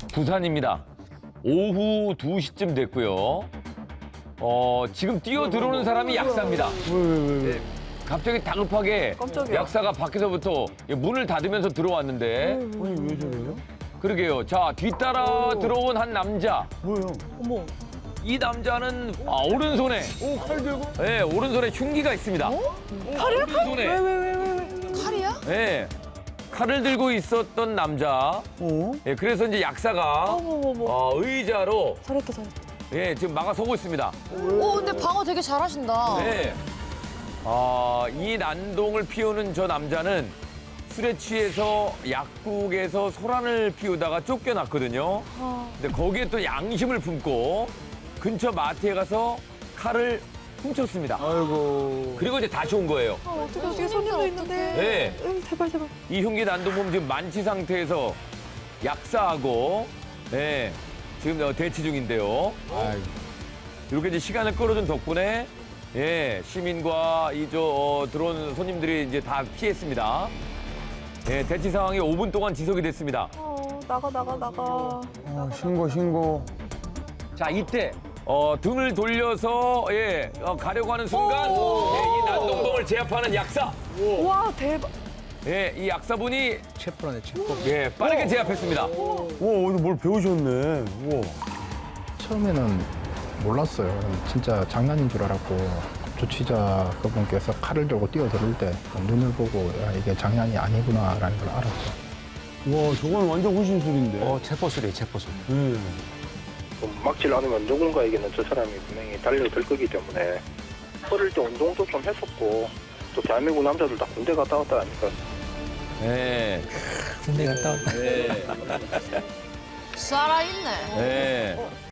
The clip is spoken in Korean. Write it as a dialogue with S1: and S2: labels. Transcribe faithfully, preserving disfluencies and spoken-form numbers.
S1: 부산입니다. 오후 두 시쯤 됐고요. 어, 지금 뛰어 들어오는 사람이 약사입니다.
S2: 왜, 왜, 왜, 왜?
S1: 네, 갑자기 다급하게
S3: 깜짝이야.
S1: 약사가 밖에서부터 문을 닫으면서 들어왔는데
S2: 아니, 왜 저래요?
S1: 그러게요. 자, 뒤따라 들어온 한 남자.
S2: 뭐예요?
S3: 어머.
S1: 이 남자는 아, 오른손에
S2: 오, 칼 들고?
S1: 네, 오른손에 흉기가 있습니다.
S3: 칼이야?
S1: 오른손에
S3: 왜, 왜, 왜, 왜, 왜?
S4: 칼이야?
S1: 네, 칼을 들고 있었던 남자.
S2: 어?
S1: 예, 그래서 이제 약사가
S3: 어머, 어머, 어머.
S1: 어, 의자로
S3: 잘했다, 잘했다.
S1: 예, 지금 막아서고 있습니다.
S4: 오, 근데 방어 되게 잘하신다.
S1: 네. 아, 이 난동을 피우는 저 남자는 술에 취해서 약국에서 소란을 피우다가 쫓겨났거든요.
S3: 아.
S1: 근데 거기에 또 양심을 품고 근처 마트에 가서 칼을 훔쳤습니다.
S2: 아이고.
S1: 그리고 이제 다시 온 거예요.
S3: 아, 어떻게, 어떻게 손님도 있는데.
S1: 네.
S3: 응, 제발, 제발.
S1: 이 흉기 난동범 지금 만취 상태에서 약사하고 네, 지금 어, 대치 중인데요.
S2: 아이고.
S1: 이렇게 이제 시간을 끌어준 덕분에 예, 시민과 이 저 어, 들어온 손님들이 이제 다 피했습니다. 예, 대치 상황이 오 분 동안 지속이 됐습니다.
S3: 어, 나가, 나가, 나가.
S2: 아, 신고, 신고.
S1: 자, 이때 어, 등을 돌려서 예, 어, 가려고 하는 순간 예, 이 난동범을 제압하는 약사.
S3: 와, 대박.
S1: 예, 이 약사분이
S5: 체포라네, 체포.
S1: 예, 빠르게 제압했습니다.
S2: 와, 오늘 뭘 배우셨네. 우와.
S5: 처음에는 몰랐어요. 진짜 장난인 줄 알았고 조치자 그분께서 칼을 들고 뛰어들을 때 눈을 보고 야, 이게 장난이 아니구나라는 걸 알았죠.
S2: 와, 저건 완전 호신술인데.
S5: 어, 체포술이에요, 체포술.
S2: 네.
S6: 막질 않으면 누군가에게는 저 사람이 분명히 달려들 거기 때문에 어릴 때 운동도 좀 했었고 또 대한민국 남자들 다 군대 갔다 왔다 하니까
S1: 예,
S5: 군대 갔다 왔다.
S1: 예,
S4: 살아있네.
S1: 예.